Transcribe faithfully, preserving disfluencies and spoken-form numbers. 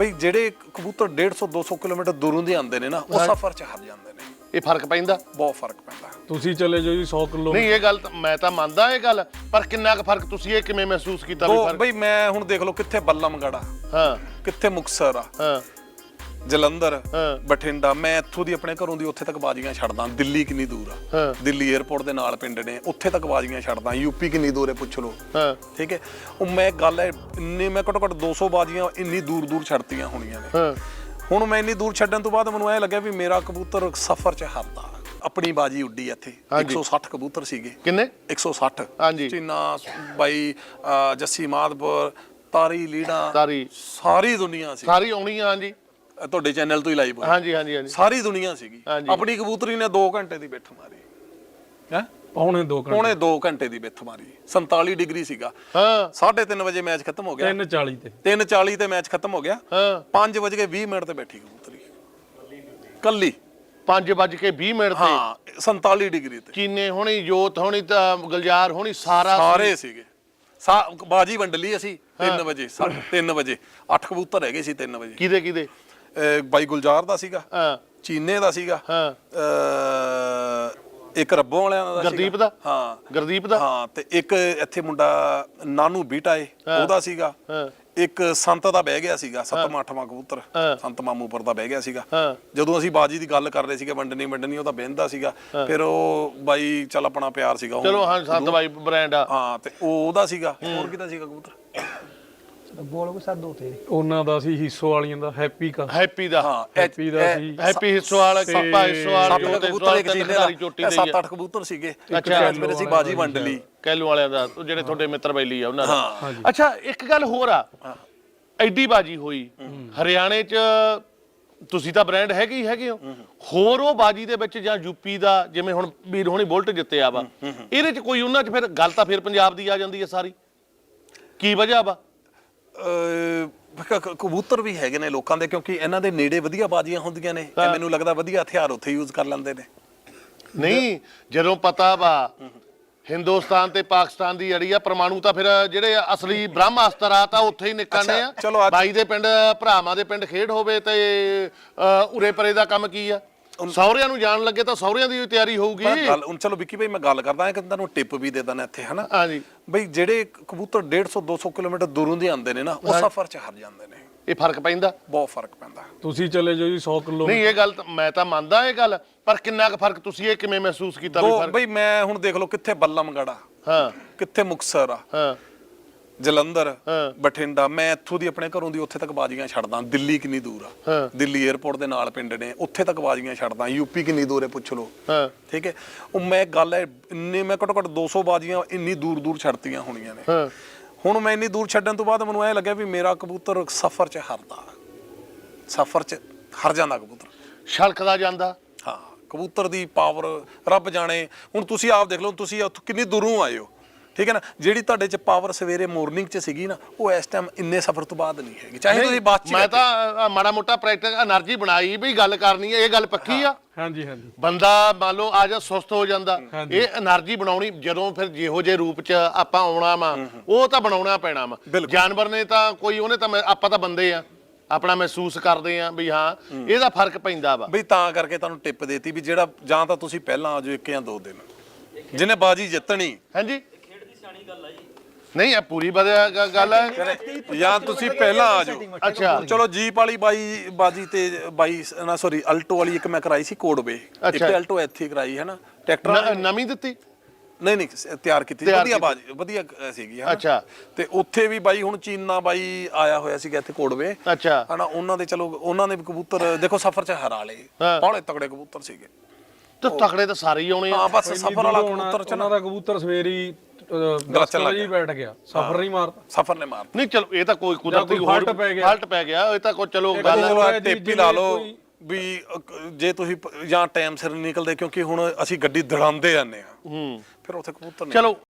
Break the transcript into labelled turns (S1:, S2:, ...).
S1: ਬਈ ਜਿਹੜੇ ਕਬੂਤਰ डेढ़ सौ दो सौ ਕਿਲੋਮੀਟਰ ਦੂਰੋਂ ਦੇ ਆਉਂਦੇ ਨੇ ਨਾ ਉਹ ਸਫ਼ਰ 'ਚ ਹਾਰ ਜਾਂਦੇ ਨੇ।
S2: ਇਹ ਫਰਕ ਪੈਂਦਾ,
S1: ਬਹੁਤ ਫਰਕ ਪੈਂਦਾ।
S3: ਤੁਸੀਂ ਚਲੇ ਜਾਓ ਜੀ सौ ਕਿਲੋ।
S2: ਨਹੀਂ ਇਹ ਗੱਲ ਮੈਂ ਤਾਂ ਮੰਨਦਾ ਇਹ ਗੱਲ, ਪਰ ਕਿੰਨਾ ਕੁ ਫਰਕ ਤੁਸੀਂ ਇਹ ਕਿਵੇਂ ਮਹਿਸੂਸ ਕੀਤਾ ਵੀ ਫਰਕ?
S1: ਬਈ ਮੈਂ ਹੁਣ ਦੇਖ ਲਓ ਕਿੱਥੇ ਬੱਲਮਗੜਾ,
S2: ਹਾਂ
S1: ਕਿੱਥੇ ਮੁਕਤਸਰ ਆ,
S2: ਹਾਂ
S1: ਜਲੰਧਰ,
S2: ਹਾਂ।
S1: ਬਠਿੰਡਾ। ਮੈਂ ਇੱਥੋਂ ਦੀ ਆਪਣੇ ਘਰੋਂ ਦੀ ਉੱਥੇ ਤੱਕ ਬਾਜ਼ੀਆਂ ਛੱਡਦਾ। ਦਿੱਲੀ ਕਿੰਨੀ ਦੂਰ ਆ,
S2: ਹਾਂ।
S1: ਦਿੱਲੀ 에ਅਰਪੋਰਟ ਦੇ ਨਾਲ ਪਿੰਡ ਨੇ, ਉੱਥੇ ਤੱਕ ਬਾਜ਼ੀਆਂ ਛੱਡਦਾ। ਯੂਪੀ ਕਿੰਨੀ ਦੂਰ ਹੈ ਪੁੱਛ ਲਓ,
S2: ਹਾਂ
S1: ਠੀਕ ਹੈ। ਉਹ ਮੈਂ ਗੱਲ ਹੈ ਇੰਨੇ ਮੈਂ ਘੱਟੋ ਘੱਟ दो सौ ਬਾਜ਼ੀਆਂ ਇੰਨੀ ਦੂਰ ਦੂਰ ਛੱਡਤੀਆਂ ਹੋਣੀਆਂ ਨੇ।
S2: ਹਾਂ
S1: ਹੁਣ ਮੈਂ ਇੰਨੀ ਦੂਰ ਛੱਡਣ ਤੋਂ ਬਾਅਦ ਮੈਨੂੰ ਐ ਲੱਗਿਆ ਵੀ ਮੇਰਾ ਕਬੂਤਰ ਸਫ਼ਰ 'ਚ ਹਾਰਦਾ। ਆਪਣੀ ਬਾਜੀ ਉੱਡੀ ਇੱਥੇ एक सौ साठ ਕਬੂਤਰ ਸੀਗੇ।
S2: ਕਿੰਨੇ?
S1: एक सौ साठ।
S2: ਹਾਂਜੀ।
S1: ਚੀਨਾ ਬਾਈ, ਜੱਸੀ ਮਾਦਪੁਰ, ਤਾਰੀ ਲੀੜਾ,
S2: ਤਾਰੀ
S1: ਸਾਰੀ ਦੁਨੀਆ ਸੀ।
S2: ਸਾਰੀ ਆਉਣੀ ਆ। ਹਾਂਜੀ
S1: ਤੁਹਾਡੇ ਚੈਨਲ ਤੋਂ ਹੀ ਲਾਈਵ ਹੋਈ।
S2: ਹਾਂਜੀ ਹਾਂਜੀ ਹਾਂਜੀ
S1: ਸਾਰੀ ਦੁਨੀਆ ਸੀਗੀ।
S2: ਹਾਂਜੀ।
S1: ਆਪਣੀ ਕਬੂਤਰੀ ਨੇ ਦੋ ਘੰਟੇ ਦੀ ਬਿੱਠ ਮਾਰੀ ਹੈ,
S3: ਪੌਣੇ ਦੋ ਘੰਟੇ
S1: ਪੌਣੇ ਦੋ ਘੰਟੇ ਦੀ ਬਿੱਠ ਮਾਰੀ। ਸੰਤਾਲੀ ਡਿਗਰੀ ਸੀਗਾ।
S2: ਹਾਂ
S1: ਸਾਢੇ ਤਿੰਨ ਵਜੇ ਮੈਚ ਖਤਮ ਹੋ ਗਿਆ।
S3: ਤਿੰਨ ਚਾਲੀ ਤੇ
S1: ਤਿੰਨ ਚਾਲੀ ਤੇ ਮੈਚ ਖਤਮ ਹੋ ਗਿਆ।
S2: ਹਾਂ
S1: ਪੰਜ ਵਜ ਕੇ ਵੀਹ ਮਿੰਟ ਤੇ ਬੈਠੀ ਕਬੂਤਰੀ ਕੱਲੀ।
S2: ਪੰਜ ਵੱਜ ਕੇ ਵੀਹ ਮਿੰਟ ਤੇ
S1: ਹਾਂ ਸੰਤਾਲੀ ਡਿਗਰੀ ਤੇ।
S2: ਚੀਨੇ ਹੋਣੀ, ਜੋਤ ਹੋਣੀ, ਤਾਂ ਗੁਲਜ਼ਾਰ ਹੋਣੀ, ਸਾਰਾ
S1: ਸਾਰੇ ਸੀਗੇ। ਸਾ ਬਾਜੀ ਵੰਡ ਲਈ ਅਸੀਂ ਤਿੰਨ ਵਜੇ। ਤਿੰਨ ਵਜੇ ਅੱਠ ਕਬੂਤਰ ਹੈਗੇ ਸੀ। ਤਿੰਨ ਵਜੇ
S2: ਕਿਹਦੇ ਕਿਹਦੇ?
S1: ਅਹ ਬਾਈ ਗੁਲਜ਼ਾਰ ਦਾ ਸੀਗਾ,
S2: ਹਾਂ
S1: ਚੀਨੇ ਦਾ ਸੀਗਾ,
S2: ਹਾਂ
S1: ਅਹ ਇੱਕ ਰੱਬੋਂ ਵਾਲਿਆਂ ਦਾ ਸੀਗਾ।
S2: ਗੁਰਦੀਪ ਦਾ?
S1: ਹਾਂ
S2: ਗੁਰਦੀਪ ਦਾ?
S1: ਹਾਂ। ਤੇ ਇੱਕ ਇੱਥੇ ਮੁੰਡਾ ਨਾਨੂ ਬੀਟਾ ਏ ਉਹਦਾ ਸੀਗਾ।
S2: ਹਾਂ
S1: ਇੱਕ ਸੰਤ ਦਾ ਬਹਿ ਗਿਆ ਸੀਗਾ, ਸੱਤਵਾਂ ਅੱਠਵਾਂ ਕਬੂਤਰ
S2: ਹਾਂ।
S1: ਸੰਤ ਮਾਮੂਪੁਰ ਦਾ ਬਹਿ ਗਿਆ ਸੀਗਾ।
S2: ਹਾਂ
S1: ਜਦੋਂ ਅਸੀਂ ਬਾਜੀ ਦੀ ਗੱਲ ਕਰ ਰਹੇ ਸੀਗੇ ਵੰਡਣੀ ਵੰਡਣੀ, ਉਹਦਾ ਬਹਿੰਦਾ ਸੀਗਾ। ਫਿਰ ਉਹ ਬਾਈ ਚੱਲ ਆਪਣਾ ਪਿਆਰ ਸੀਗਾ ਉਹ।
S2: ਚਲੋ ਹਾਂ ਸੰਤ ਬਾਈ ਬ੍ਰਾਂਡ ਆ।
S1: ਹਾਂ ਤੇ ਉਹ ਉਹਦਾ ਸੀਗਾ। ਹੋਰ ਕਿਹਦਾ ਸੀਗਾ ਕਬੂਤਰ?
S4: ਬੋਲ ਕੋ ਸਾਡੋ ਤੇ
S3: ਉਹਨਾਂ ਦਾ ਸੀ ਹੀਸੋ ਵਾਲੀਆਂ ਦਾ, ਹੈਪੀ ਕਾ
S2: ਹੈਪੀ ਦਾ।
S1: ਹਾਂ
S3: ਹੈਪੀ ਦਾ ਸੀ।
S2: ਹੈਪੀ ਹਿੱਸੋਵਾਲ, ਕੱਪਾ ਹਿੱਸੋਵਾਲ,
S1: ਸੱਤ
S2: ਜੋਤ
S1: ਕਬੂਤਰ ਇੱਕ
S2: ਹਿੱਸੋਵਾਲ,
S1: ਚੀਨੇ
S2: ਤਿੰਨ ਚੋਟੀ
S1: ਦਾ,
S2: ਦੇ
S1: ਸੱਤ ਅੱਠ ਕਬੂਤਰ ਸੀਗੇ।
S2: ਅੱਛਾ।
S1: ਫਿਰ ਅਸੀਂ ਬਾਜੀ ਵੰਡ ਲਈ
S2: ਕੈਲੂ ਵਾਲਿਆਂ ਦਾ, ਉਹ ਜਿਹੜੇ ਤੁਹਾਡੇ ਮਿੱਤਰ ਬੈਲੀ ਆ ਉਹਨਾਂ ਦਾ।
S1: ਹਾਂ।
S2: ਅੱਛਾ ਇੱਕ ਗੱਲ ਹੋਰ ਆ, ਐਡੀ ਬਾਜੀ ਹੋਈ ਹਰਿਆਣੇ ਚ, ਤੁਸੀਂ ਤਾਂ ਬ੍ਰਾਂਡ ਹੈਗੇ ਹੀ ਹੈਗੇ ਹੋ, ਹੋਰ ਉਹ ਬਾਜੀ ਦੇ ਵਿੱਚ ਜਾਂ ਯੂਪੀ ਦਾ, ਜਿਵੇਂ ਹੁਣ ਵੀਰ ਹੋਣੀ ਬੁਲਟ ਜਿੱਤਿਆ ਵਾ, ਇਹਦੇ ਚ ਕੋਈ ਉਹਨਾਂ ਚ ਫਿਰ ਗੱਲ ਤਾਂ ਫਿਰ ਪੰਜਾਬ ਦੀ ਆ ਜਾਂਦੀ ਹੈ ਸਾਰੀ। ਕੀ ਵਜ੍ਹਾ ਵਾ?
S1: ਅਹ ਕਬੂਤਰ ਵੀ ਹੈਗੇ ਨੇ ਲੋਕਾਂ ਦੇ, ਕਿਉਂਕਿ ਇਹਨਾਂ ਦੇ ਨੇੜੇ ਵਧੀਆ ਬਾਜ਼ੀਆਂ ਹੁੰਦੀਆਂ ਨੇ। ਤੇ ਮੈਨੂੰ ਲੱਗਦਾ ਵਧੀਆ ਹਥਿਆਰ ਉੱਥੇ ਯੂਜ਼ ਕਰ ਲੈਂਦੇ ਨੇ।
S2: ਨਹੀਂ ਜਦੋਂ ਪਤਾ ਵਾ ਹਿੰਦੁਸਤਾਨ ਤੇ ਪਾਕਿਸਤਾਨ ਦੀ ਅੜੀ ਆ, ਪਰਮਾਣੂ ਤਾਂ ਫਿਰ ਜਿਹੜੇ ਅਸਲੀ ਬ੍ਰਹਮਾਸਤਰ ਆ ਤਾਂ ਉੱਥੇ ਹੀ ਨਿਕਲਣੇ ਆ।
S1: ਚਲੋ ਅੱਜ-
S2: ਬਾਈ ਦੇ ਪਿੰਡ ਭਰਾਵਾਂ ਦੇ ਪਿੰਡ ਖੇਡ ਹੋਵੇ ਤੇ ਉਰੇ ਪਰੇ ਦਾ ਕੰਮ ਕੀ ਆ? ਸਹੁਰਿਆਂ ਨੂੰ ਜਾਣ ਲੱਗੇ ਤਾਂ ਸਹੁਰਿਆਂ ਦੀ ਤਿਆਰੀ ਹੋਊਗੀ।
S1: ਪਰ ਗੱਲ ਹੁਣ ਚਲੋ ਵਿੱਕੀ ਭਾਈ ਮੈਂ ਗੱਲ ਕਰਦਾ ਹਾਂ ਕਿ ਤੁਹਾਨੂੰ ਟਿਪ ਵੀ ਦੇ ਦਾਂ ਇੱਥੇ, ਹਨਾ।
S2: ਹਾਂਜੀ
S1: ਬਈ ਜਿਹੜੇ ਕਬੂਤਰ डेढ़ सौ दो सौ ਕਿਲੋਮੀਟਰ ਦੂਰੋਂ ਦੇ ਆਉਂਦੇ ਨੇ ਨਾ ਉਹ ਸਫ਼ਰ 'ਚ ਹਾਰ ਜਾਂਦੇ ਨੇ।
S2: ਇਹ ਫਰਕ ਪੈਂਦਾ,
S1: ਬਹੁਤ ਫਰਕ ਪੈਂਦਾ।
S3: ਤੁਸੀਂ ਚਲੇ ਜਾਓ ਜੀ सौ ਕਿਲੋ।
S2: ਨਹੀਂ ਇਹ ਗੱਲ ਮੈਂ ਤਾਂ ਮੰਨਦਾ ਇਹ ਗੱਲ, ਪਰ ਕਿੰਨਾ ਕੁ ਫਰਕ ਤੁਸੀਂ ਇਹ ਕਿਵੇਂ ਮਹਿਸੂਸ ਕੀਤਾ ਵੀ ਫਰਕ?
S1: ਬਈ ਮੈਂ ਹੁਣ ਦੇਖ ਲਓ ਕਿੱਥੇ ਬੱਲਮਗੜਾ,
S2: ਹਾਂ
S1: ਕਿੱਥੇ ਮੁਕਤਸਰ ਆ,
S2: ਹਾਂ
S1: ਜਲੰਧਰ,
S2: ਹਾਂ।
S1: ਬਠਿੰਡਾ। ਮੈਂ ਇੱਥੋਂ ਦੀ ਆਪਣੇ ਘਰੋਂ ਦੀ ਉੱਥੇ ਤੱਕ ਬਾਜ਼ੀਆਂ ਛੱਡਦਾ। ਦਿੱਲੀ ਕਿੰਨੀ ਦੂਰ ਆ,
S2: ਹਾਂ।
S1: ਦਿੱਲੀ 에ਅਰਪੋਰਟ ਦੇ ਨਾਲ ਪਿੰਡ ਨੇ, ਉੱਥੇ ਤੱਕ ਬਾਜ਼ੀਆਂ ਛੱਡਦਾ। ਯੂਪੀ ਕਿੰਨੀ ਦੂਰ ਹੈ ਪੁੱਛ ਲਓ,
S2: ਹਾਂ
S1: ਠੀਕ ਹੈ। ਉਹ ਮੈਂ ਗੱਲ ਹੈ ਇੰਨੇ ਮੈਂ ਘੱਟੋ ਘੱਟ दो सौ ਬਾਜ਼ੀਆਂ ਇੰਨੀ ਦੂਰ ਦੂਰ ਛੱਡਤੀਆਂ ਹੋਣੀਆਂ ਨੇ।
S2: ਹਾਂ
S1: ਹੁਣ ਮੈਂ ਇੰਨੀ ਦੂਰ ਛੱਡਣ ਤੋਂ ਬਾਅਦ ਮੈਨੂੰ ਐ ਲੱਗਿਆ ਵੀ ਮੇਰਾ ਕਬੂਤਰ ਸਫ਼ਰ 'ਚ ਹਾਰਦਾ। ਸਫ਼ਰ 'ਚ ਹਾਰ ਜਾਂਦਾ ਕਬੂਤਰ।
S2: ਛਲਕਦਾ ਜਾਂਦਾ।
S1: ਹਾਂ ਕਬੂਤਰ ਦੀ ਪਾਵਰ ਰੱਬ ਜਾਣੇ। ਹੁਣ ਤੁਸੀਂ ਆਪ ਦੇਖ ਲਓ, ਤੁਸੀਂ ਉੱਥੋਂ ਕਿੰਨੀ ਦੂਰੋਂ ਆਏ ਹੋ, ਠੀਕ ਹੈ ਨਾ। ਜਿਹੜੀ ਤੁਹਾਡੇ 'ਚ ਪਾਵਰ ਸਵੇਰੇ ਮਾਰਨਿੰਗ 'ਚ ਸੀਗੀ ਨਾ, ਉਹ ਇਸ ਟਾਈਮ ਇੰਨੇ ਸਫ਼ਰ ਤੋਂ ਬਾਅਦ ਨਹੀਂ ਹੈਗੀ। ਚਾਹੇ ਤੁਸੀਂ ਬਾਅਦ 'ਚ
S2: ਮੈਂ ਤਾਂ ਮਾੜਾ ਮੋਟਾ ਪ੍ਰੈਕਟਿਸ એનર્ਜੀ ਬਣਾਈ ਵੀ ਗੱਲ ਕਰਨੀ ਹੈ, ਇਹ ਗੱਲ ਪੱਕੀ ਆ।
S3: ਹਾਂਜੀ ਹਾਂਜੀ
S2: ਬੰਦਾ ਮੰਨ ਲਓ ਆ ਜਾ ਸੁਸਤ ਹੋ ਜਾਂਦਾ, ਇਹ એનર્ਜੀ ਬਣਾਉਣੀ ਜਦੋਂ ਫਿਰ ਜਿਹੋ ਜਿਹੇ ਰੂਪ 'ਚ ਆਪਾਂ ਆਉਣਾ ਵਾ ਉਹ ਤਾਂ ਬਣਾਉਣਾ ਪੈਣਾ ਵਾ। ਜਾਨਵਰ ਨੇ ਤਾਂ ਕੋਈ, ਉਹਨੇ ਤਾਂ ਆਪਾਂ ਤਾਂ ਬੰਦੇ ਆ, ਆਪਣਾ ਮਹਿਸੂਸ ਕਰਦੇ ਆ ਵੀ ਹਾਂ ਇਹਦਾ ਫਰਕ ਪੈਂਦਾ ਵਾ।
S1: ਬਈ ਤਾਂ ਕਰਕੇ ਤੁਹਾਨੂੰ ਟਿਪ ਦੇਤੀ ਵੀ ਜਿਹੜਾ ਜਾਂ ਤਾਂ ਤੁਸੀਂ ਪਹਿਲਾਂ ਆ ਜਾਓ ਇੱਕ ਜਾਂ ਦੋ ਦਿਨ, ਜਿਹਨੇ ਬਾਜੀ ਜਿੱਤਣੀ।
S2: ਹਾਂਜੀ ਨਹੀਂ ਇਹ ਪੂਰੀ ਵਧੀਆ ਗੱਲ ਹੈ।
S1: ਜਾਂ ਤੁਸੀਂ ਪਹਿਲਾਂ ਆ ਜਾਓ।
S2: ਅੱਛਾ
S1: ਚਲੋ ਜੀਪ ਵਾਲੀ ਬਾਈ ਬਾਜੀ ਤੇ ਬਾਈ ਨਾ ਸੌਰੀ ਅਲਟੋ ਵਾਲੀ ਇੱਕ ਮੈਂ ਕਰਾਈ ਸੀ ਕੋਡਵੇ, ਇੱਕ ਅਲਟੋ ਇੱਥੇ ਕਰਾਈ ਹੈ ਨਾ ਟਰੈਕਟਰ
S2: ਨਵੀਂ ਦਿੱਤੀ।
S1: ਨਹੀਂ ਨਹੀਂ ਤਿਆਰ ਕੀਤੀ, ਵਧੀਆ ਬਾਜੀ ਵਧੀਆ ਸੀਗੀ।
S2: ਅੱਛਾ
S1: ਤੇ ਉੱਥੇ ਵੀ ਬਾਈ ਹੁਣ ਚੀਨਾ ਬਾਈ ਆਇਆ ਹੋਇਆ ਸੀਗਾ ਇੱਥੇ ਕੋਡਵੇ,
S2: ਅੱਛਾ
S1: ਹਨਾ। ਉਹਨਾਂ ਦੇ ਚਲੋ ਉਹਨਾਂ ਨੇ ਵੀ ਕਬੂਤਰ ਦੇਖੋ ਸਫ਼ਰ 'ਚ ਹਰਾ ਲਏ, ਬਾਹਲੇ ਤਕੜੇ ਕਬੂਤਰ ਸੀਗੇ।
S2: ਤੇ ਤਕੜੇ ਤਾਂ ਸਾਰੇ ਹੀ ਆਉਣੇ ਆ।
S1: ਹਾਂ ਬਸ ਸਫ਼ਰ ਵਾਲਾ ਕਬੂਤਰ ਚ
S3: ਉਹਨਾਂ ਦਾ ਕਬੂਤਰ ਸਵੇਰੀ ਗਲਚਣ ਜੀ ਬੈਠ ਗਿਆ, ਸਫ਼ਰ ਨਹੀਂ ਮਾਰਦਾ।
S1: ਸਫ਼ਰ ਨੇ ਮਾਰ
S2: ਨਹੀਂ ਚਲੋ ਇਹ ਤਾਂ ਕੋਈ ਕੁਦਰਤੀ
S3: ਫਾਲਟ ਪੈ ਗਿਆ,
S2: ਫਾਲਟ ਪੈ ਗਿਆ, ਇਹ ਤਾਂ ਕੋਈ ਚਲੋ
S1: ਗੱਲ ਟੇਪੀ ਲਾ ਲਓ ਵੀ ਜੇ ਤੁਸੀਂ ਜਾਂ ਟਾਈਮ ਸਿਰ ਨਿਕਲਦੇ, ਕਿਉਂਕਿ ਹੁਣ ਅਸੀਂ ਗੱਡੀ ਦੜਾਉਂਦੇ ਜਾਂਦੇ ਆ, ਫਿਰ ਉੱਥੇ ਕਬੂਤਰ
S2: ਚਲੋ